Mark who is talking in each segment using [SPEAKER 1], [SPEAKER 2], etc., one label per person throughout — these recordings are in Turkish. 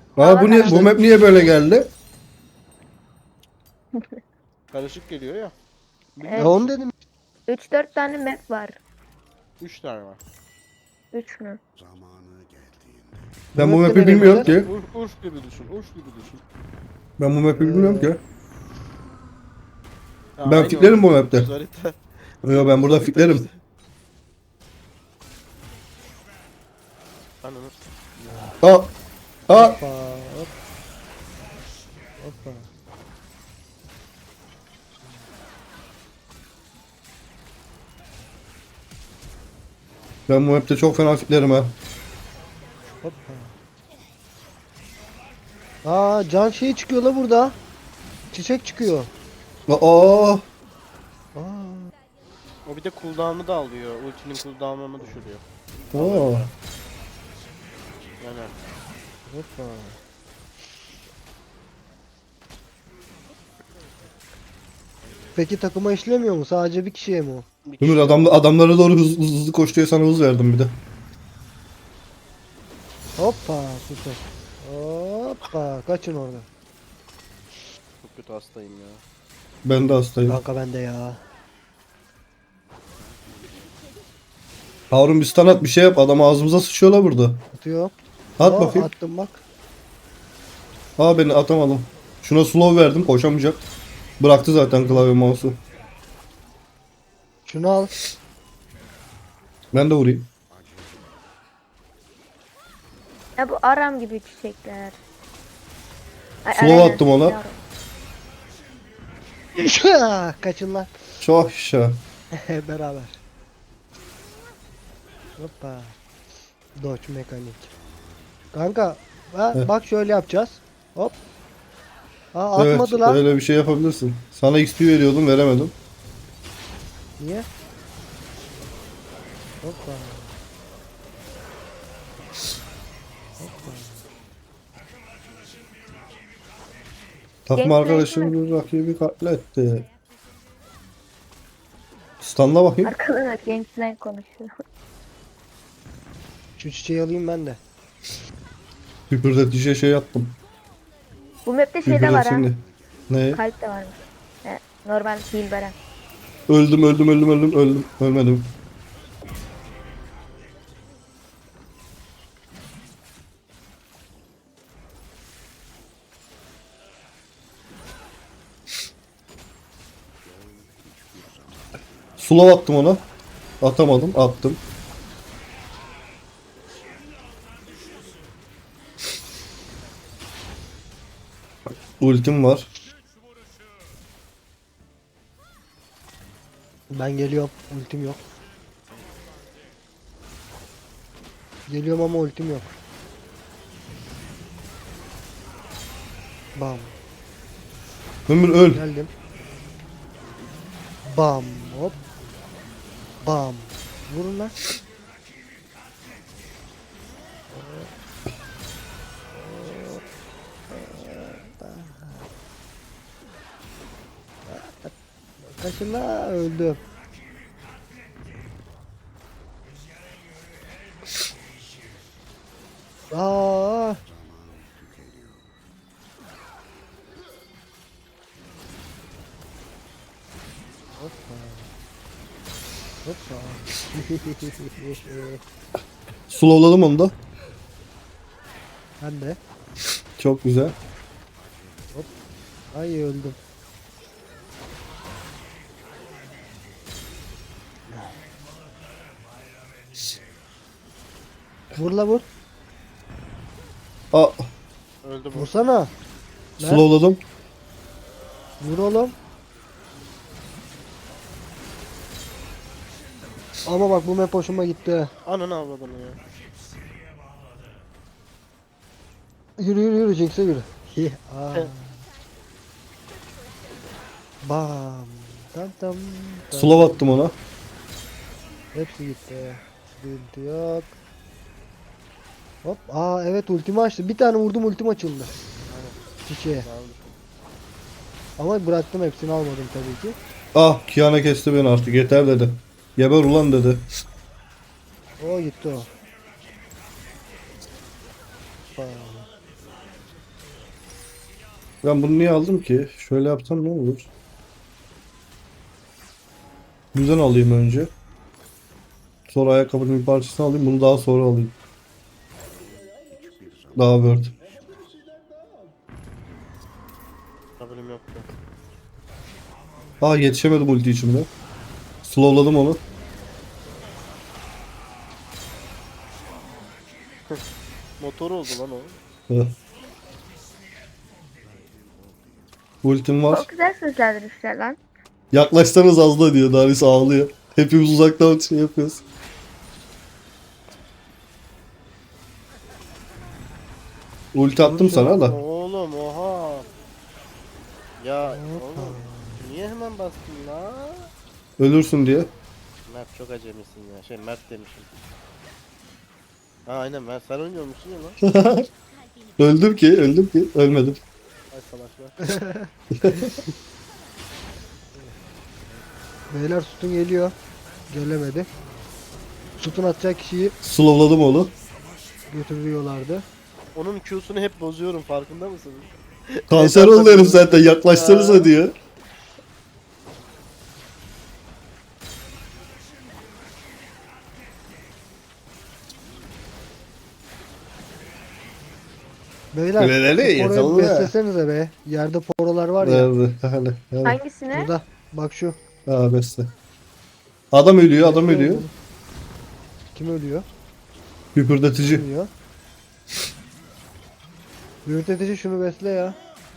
[SPEAKER 1] Aa bu niye, bu map niye böyle geldi?
[SPEAKER 2] Karışık geliyor ya.
[SPEAKER 3] Evet.
[SPEAKER 2] Biliyor
[SPEAKER 4] Ya onu
[SPEAKER 2] musun?
[SPEAKER 4] dedim.
[SPEAKER 3] 3-4 tane map var.
[SPEAKER 2] 3 tane var.
[SPEAKER 3] 3 mü?
[SPEAKER 1] Ben bu
[SPEAKER 4] map'te
[SPEAKER 1] map'i
[SPEAKER 4] nereye
[SPEAKER 1] bilmiyorum
[SPEAKER 4] gideceğiz?
[SPEAKER 1] ki.
[SPEAKER 2] Urf gibi düşün. Urf gibi düşün.
[SPEAKER 1] Ben bu map'i bilmiyorum ki.
[SPEAKER 2] Ha,
[SPEAKER 1] Ben
[SPEAKER 2] aynı
[SPEAKER 1] fitlerim
[SPEAKER 2] o.
[SPEAKER 1] bu map'te.
[SPEAKER 2] Düz harita.
[SPEAKER 1] Yo ben burada
[SPEAKER 2] Düz harita
[SPEAKER 1] fitlerim.
[SPEAKER 2] işte. Ananı.
[SPEAKER 1] Aa. Aa.
[SPEAKER 4] Hoppa hop. Hoppa.
[SPEAKER 1] Ben bu map'te çok fena fitlerim ha.
[SPEAKER 4] Hoppa. Aa can şeyi çıkıyor la burada. Çiçek çıkıyor.
[SPEAKER 1] Aa.
[SPEAKER 4] Aa.
[SPEAKER 2] O bir de cooldown'u da alıyor. Ultinin cooldown'unu düşürüyor.
[SPEAKER 1] Aa.
[SPEAKER 2] Yani
[SPEAKER 4] Hoppa. Peki takıma işlemiyor mu? Sadece bir kişiye mi o?
[SPEAKER 2] bir kişi
[SPEAKER 1] Ömür adamlara doğru hızlı, hızlı koş diye sana hız verdim bir de.
[SPEAKER 4] Hoppa süper. Hoppa kaçın orada.
[SPEAKER 2] çok kötü hastayım ya.
[SPEAKER 1] Ben de hastayım.
[SPEAKER 4] Kanka bende ya.
[SPEAKER 1] Harun bir stun at bir şey yap. Adam ağzımıza sıçıyorlar burada.
[SPEAKER 4] Atıyor.
[SPEAKER 1] At
[SPEAKER 4] Aa,
[SPEAKER 1] bakayım.
[SPEAKER 4] attım bak.
[SPEAKER 1] Aa beni atamadım. Şuna slow verdim koşamayacak. Bıraktı zaten klavye mouse'u.
[SPEAKER 4] Şunu al.
[SPEAKER 1] Ben de vurayım.
[SPEAKER 3] Ya bu aram gibi çiçekler. Ay,
[SPEAKER 1] Slow
[SPEAKER 3] aynen,
[SPEAKER 1] attım ona.
[SPEAKER 3] yavrum.
[SPEAKER 4] Kaçın lan.
[SPEAKER 1] Çok şa.
[SPEAKER 4] Beraber. Hoppa. Dodge mekanik. Kanka
[SPEAKER 1] Heh.
[SPEAKER 4] bak şöyle yapacağız. Hop. Aa
[SPEAKER 1] Evet
[SPEAKER 4] atmadı lan.
[SPEAKER 1] öyle bir şey yapabilirsin. Sana XP veriyordum veremedim.
[SPEAKER 4] Niye? Hoppa.
[SPEAKER 1] Takım
[SPEAKER 3] Gençler
[SPEAKER 1] arkadaşım bir rakibi katletti. Stunla bakayım.
[SPEAKER 3] Arkadan Games'den konuşuyor.
[SPEAKER 4] Şu çiçeği alayım ben de.
[SPEAKER 1] Küpürdetici şey yaptım.
[SPEAKER 3] Bu map'te şey de var ha.
[SPEAKER 1] Küpürdetini. Ne?
[SPEAKER 3] Kalp de varmış. He, normal heal veren.
[SPEAKER 1] Öldüm. Ölmedim. Slow attım ona. Atamadım. Attım. Ultim var.
[SPEAKER 4] Ben geliyorum. Ultim yok. Geliyorum ama ultim yok. Bam.
[SPEAKER 1] Ömür öl.
[SPEAKER 4] Geldim. Bam. Hop. Bam. Vurun lan. Kaçın la öldüm. Aa. Hoppa. Hoppa.
[SPEAKER 1] Slowladım onu da.
[SPEAKER 4] Ben de.
[SPEAKER 1] Çok güzel.
[SPEAKER 4] Ay öldüm. Vur la vur.
[SPEAKER 1] Aa,
[SPEAKER 2] Öldü bu.
[SPEAKER 4] Vursana. Ne?
[SPEAKER 1] slowladım.
[SPEAKER 4] Vur oğlum. Ama bak bu map hoşuma gitti.
[SPEAKER 2] Ananı avradını ya.
[SPEAKER 4] Yürü Jinx'e yürü. Aa. Bam. Tam tam. tam.
[SPEAKER 1] Slow attım ona.
[SPEAKER 4] Hepsi gitti. Sıkıntı yok. Hop. Aa evet ultimi açtı. Bir tane vurdum ultim açıldı. Çiçeğe. Ama bıraktım hepsini almadım tabii ki.
[SPEAKER 1] Ah Kiana kesti beni artık yeter dedi. Geber ulan dedi.
[SPEAKER 4] O gitti o. Bam.
[SPEAKER 1] Ben bunu niye aldım ki? Şöyle yapsam ne olur? Düzen alayım önce. Sonra ayakkabının bir parçasını alayım. Bunu daha sonra alayım. Daha word.
[SPEAKER 2] Haberim yoktu.
[SPEAKER 1] Aa yetişemedim ulti içimde. Slowladım onu.
[SPEAKER 2] Motor oldu lan o.
[SPEAKER 1] Heh. Ultim var.
[SPEAKER 3] Çok güzel seslendirmişler lan.
[SPEAKER 1] Yaklaşsanız az da diyor. Darius ağlıyor. Hepimiz uzaktan şey yapıyoruz. Ulti attım sana da.
[SPEAKER 2] Oğlum oha. Ya oğlum. Niye hemen bastın la?
[SPEAKER 1] Ölürsün diye.
[SPEAKER 2] Mert çok acemisin ya. Şey Mert demişim. Ha aynen Mert sen oynuyormuşsun ya lan.
[SPEAKER 1] Öldüm ki, öldüm ki. Ölmedim.
[SPEAKER 2] Ay salaklar.
[SPEAKER 4] Beyler sütun geliyor. Gelemedi. Sütun atacak kişiyi
[SPEAKER 1] Slowladım onu.
[SPEAKER 4] götürüyorlardı.
[SPEAKER 2] Onun Q'sunu hep bozuyorum farkında mısın?
[SPEAKER 1] Kanser oldu herif zaten. Yaklaşsanıza diyor.
[SPEAKER 4] Beyler
[SPEAKER 1] Öyle ne?
[SPEAKER 4] şu poroyu
[SPEAKER 1] Yazılı.
[SPEAKER 4] beslesenize be. Yerde porolar var ya.
[SPEAKER 1] Nerede? Hani.
[SPEAKER 3] Hangisini?
[SPEAKER 4] Burada. Bak şu.
[SPEAKER 1] Ha besle. Adam ölüyor, adam ölüyor.
[SPEAKER 4] Kim ölüyor?
[SPEAKER 1] Hüpürdetici.
[SPEAKER 4] Ölüyor. Yürütetici şunu besle ya.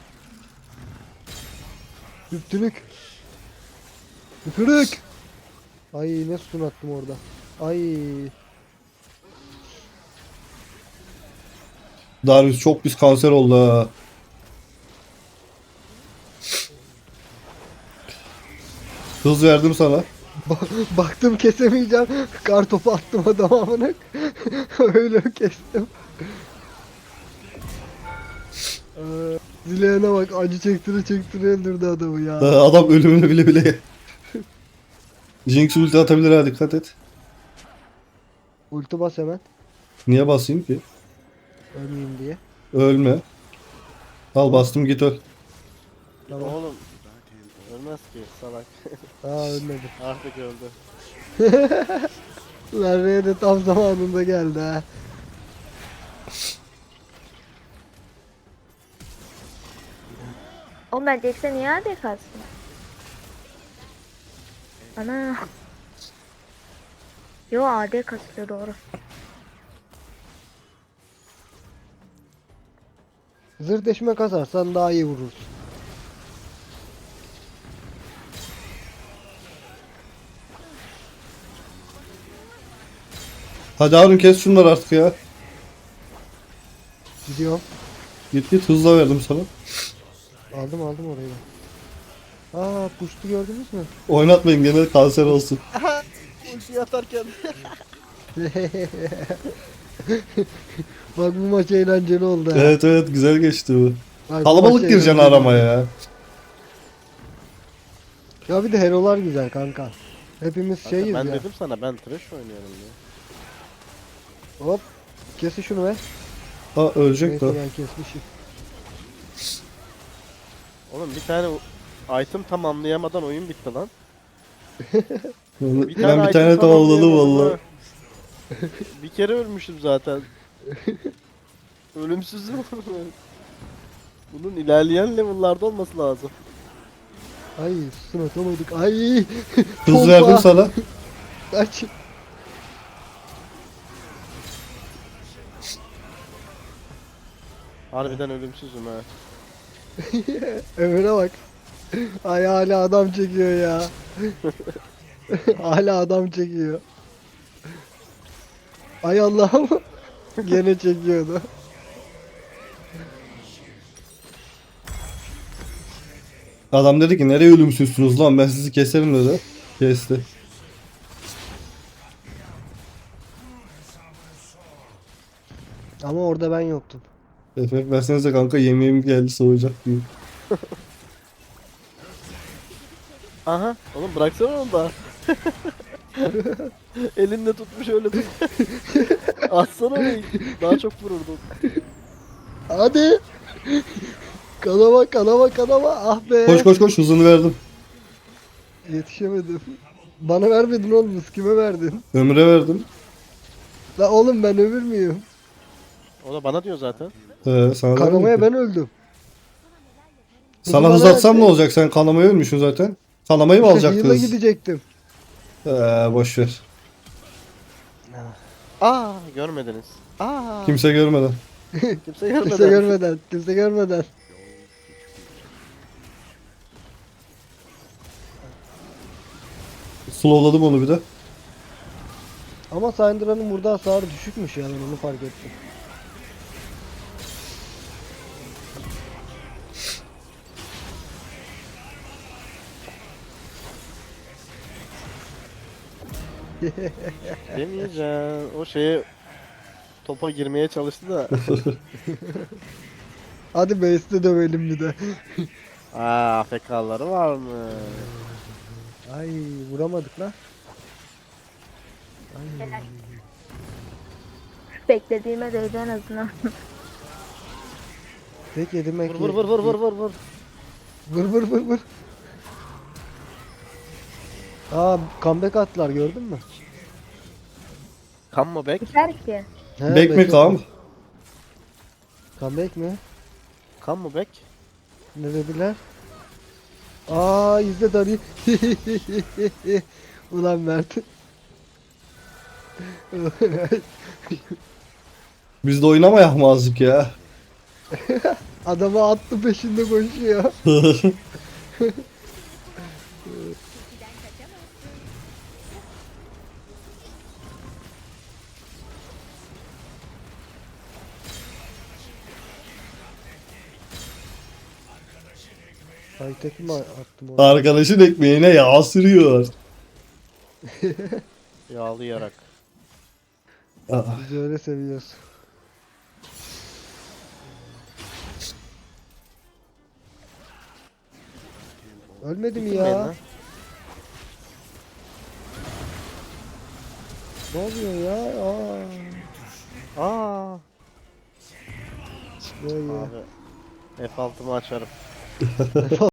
[SPEAKER 4] Hüptülük. Hüpürük. Ay ne sütun attım orada. Ay.
[SPEAKER 1] Darius çok pis kanser oldu ha. Hız verdim sana.
[SPEAKER 4] Baktım kesemeyeceğim. Kar topu attım adama amına. Öyle kestim. Zileğine bak acı çektire öldürdü adamı ya.
[SPEAKER 1] Adam ölümünü bile bile. Jinx ulti atabilir ha, dikkat et.
[SPEAKER 4] Ulti bas hemen.
[SPEAKER 1] Niye basayım ki?
[SPEAKER 4] Ölmeyeyim diye.
[SPEAKER 1] Ölme. Al bastım git öl.
[SPEAKER 4] Tamam.
[SPEAKER 2] Oğlum. Ölmez ki salak.
[SPEAKER 4] Aa ölmedi.
[SPEAKER 2] Artık öldü.
[SPEAKER 4] Larra'ya de tam zamanında geldi ha.
[SPEAKER 3] Oğlum ben Jax'e niye AD kalsın? Ana. Yo AD kasıyor doğru.
[SPEAKER 4] Zırh deşme kasarsan daha iyi vurursun.
[SPEAKER 1] Hadi Harun kes şunları artık ya.
[SPEAKER 4] Gidiyorum.
[SPEAKER 1] Git git hızla verdim sana.
[SPEAKER 4] Aldım orayı da. Aa puştu gördünüz mü?
[SPEAKER 1] Oynatmayın gene kanser olsun.
[SPEAKER 2] Ulti atarken.
[SPEAKER 4] Bak bu maç eğlenceli oldu ha.
[SPEAKER 1] Evet evet güzel geçti bu.
[SPEAKER 4] Bak, bu
[SPEAKER 1] Kalabalık
[SPEAKER 4] maç
[SPEAKER 1] gireceksin
[SPEAKER 4] eğlenceli
[SPEAKER 1] aramaya
[SPEAKER 4] oldu.
[SPEAKER 1] ya.
[SPEAKER 4] Ya bir de hero'lar güzel kanka. Hepimiz şeyiz
[SPEAKER 2] ben
[SPEAKER 4] ya.
[SPEAKER 2] dedim sana ben trash oynuyorum diye.
[SPEAKER 4] Hop. Kesin şunu be.
[SPEAKER 1] Ha ölecek
[SPEAKER 4] Neyse
[SPEAKER 1] de.
[SPEAKER 4] ben kesmişim.
[SPEAKER 2] Oğlum bir tane item tamamlayamadan oyun bitti lan.
[SPEAKER 1] Ben bir
[SPEAKER 2] item
[SPEAKER 1] tane tamamladım
[SPEAKER 2] tamamlayamadım
[SPEAKER 1] valla.
[SPEAKER 2] ha. Bir kere ölmüşüm zaten. Ölümsüzüm. Bunun ilerleyen level'larda olması lazım.
[SPEAKER 4] Ay sütun atamadık. Ay.
[SPEAKER 1] Hız
[SPEAKER 4] Pompa.
[SPEAKER 1] verdim sana.
[SPEAKER 4] Kaç.
[SPEAKER 2] Harbiden ölümsüzüm ha.
[SPEAKER 4] Ömer'e bak. Ay hala adam çekiyor ya. Hala adam çekiyor. Ay Allah'ım. Gene çekiyordu.
[SPEAKER 1] Adam dedi ki nereye ölümsüzsünüz lan ben sizi keserim dedi. Kesti.
[SPEAKER 4] Ama orada ben yoktum.
[SPEAKER 1] FF versenize kanka yemeğim geldi soğuyacak diye.
[SPEAKER 2] Aha. Oğlum bıraksana onu da. Elinde tutmuş öyle tut. Atsana onu. Daha çok vururdun.
[SPEAKER 4] Hadi. Kanama kanama kanama. Ah be.
[SPEAKER 1] Koş koş koş, hızını verdim.
[SPEAKER 4] Yetişemedim. Bana vermedin oğlum. Kime verdin?
[SPEAKER 1] Ömre verdim.
[SPEAKER 4] La oğlum ben ömür müyüm?
[SPEAKER 2] O da bana diyor zaten.
[SPEAKER 1] Sana
[SPEAKER 4] Kanamaya
[SPEAKER 1] vermedim ki.
[SPEAKER 4] ben öldüm.
[SPEAKER 1] Sana
[SPEAKER 4] Hızı
[SPEAKER 1] hız
[SPEAKER 4] bana
[SPEAKER 1] atsam ne
[SPEAKER 4] verdi.
[SPEAKER 1] olacak? Sen kanamaya ölmüşsün zaten. Kanamayı mı
[SPEAKER 4] İşte
[SPEAKER 1] alacaktı
[SPEAKER 4] heal'a
[SPEAKER 1] hız?
[SPEAKER 4] gidecektim.
[SPEAKER 1] Boş ver.
[SPEAKER 2] Aa görmediniz. Aa
[SPEAKER 1] Kimse görmeden.
[SPEAKER 2] kimse görmeden.
[SPEAKER 4] Kimse görmeden. Kimse görmeden.
[SPEAKER 1] Slowladım onu bir de.
[SPEAKER 4] Ama Syndra'nın burada hasarı düşükmüş ya, ben onu fark ettim.
[SPEAKER 2] Demeyeceğim. O şeye topa girmeye çalıştı da.
[SPEAKER 4] Hadi base'de dövelim bir de.
[SPEAKER 2] Aa AFK'ları var mı?
[SPEAKER 4] Ay vuramadık lan.
[SPEAKER 3] Beklediğime değdi en azından.
[SPEAKER 4] Tek yedim
[SPEAKER 2] Vur vur vur vur vur vur vur.
[SPEAKER 4] Vur vur vur vur. Aa comeback attılar, gördün mü?
[SPEAKER 2] Come mı back?
[SPEAKER 3] Biter ki.
[SPEAKER 4] He,
[SPEAKER 1] Bek mi
[SPEAKER 4] bekle.
[SPEAKER 1] kam?
[SPEAKER 4] Comeback mi?
[SPEAKER 2] Come mı back?
[SPEAKER 4] Ne dediler? Aa izle Dari. Ulan Mert.
[SPEAKER 1] Biz de oynamayak mı azıcık ya?
[SPEAKER 4] Adamı attı, peşinde koşuyor. Ay tek mi attım onu?
[SPEAKER 1] Arkadaşın ekmeğine yağ sürüyor.
[SPEAKER 2] Yağlayarak.
[SPEAKER 1] Aa,
[SPEAKER 4] Biz öyle seviyoruz. Ölmedi mi
[SPEAKER 2] Bitirmeyin
[SPEAKER 4] ya?
[SPEAKER 2] lan.
[SPEAKER 4] Ne oluyor ya?
[SPEAKER 2] Aa.
[SPEAKER 4] Böyle.
[SPEAKER 2] Abi. F6'mı açarım.